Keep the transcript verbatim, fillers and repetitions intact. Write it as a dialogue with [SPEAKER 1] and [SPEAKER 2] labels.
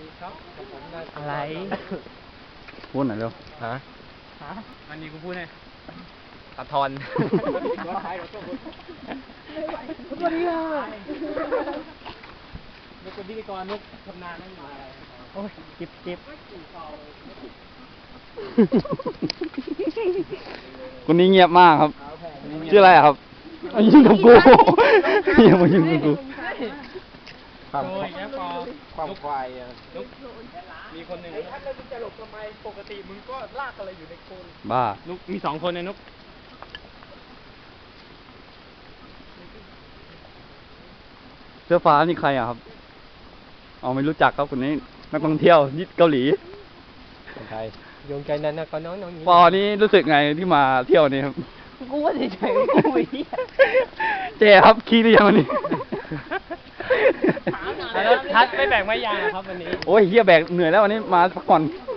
[SPEAKER 1] อะไร
[SPEAKER 2] พูดหน่อยเร็ว
[SPEAKER 1] ฮะ
[SPEAKER 3] ฮะวันนี้กูพูดให้
[SPEAKER 1] ตะทอน
[SPEAKER 3] สวัสดีค่ะนุกเป็นพิธีกรนุกทำนานไม่มาอะไรโอ้ยจิบจิบ
[SPEAKER 2] คนนี้เงียบมากครับ ชื่ออะไรอะครับเอายิงกับกูอย่ามายิงกับกู
[SPEAKER 3] โอ้ยแค่พอ
[SPEAKER 1] ความควายอ่ะ
[SPEAKER 3] นุกมีคนหนึ่งถ้าเราจะหลบทำไมปกติมึงก็ลากอะไรอยู่ในโคน
[SPEAKER 2] บ้า
[SPEAKER 3] นุกมีสองคนนะนุก
[SPEAKER 2] เสื้อฟ้านี่ใครอะครับเอาไม่รู้จักครับคนนี้นักท่องเที่ยวยิดเกาหลี
[SPEAKER 1] คนไทยโยงใจนั้นนะก็น้องน้องนี้
[SPEAKER 2] ปอนี่รู้สึกไงที่มาเที่ยวนี่ครับ
[SPEAKER 1] กูว่าเฉยๆกูไม่เหี้ย
[SPEAKER 2] เจ๊ครับขี้หรือยังวันนี้
[SPEAKER 3] แล้วทัดไม่แบ่งไม่ยางครับวันนี้
[SPEAKER 2] โอ้ยเฮียแบกเหนื่อยแล้ววันนี้มาพักผ่อน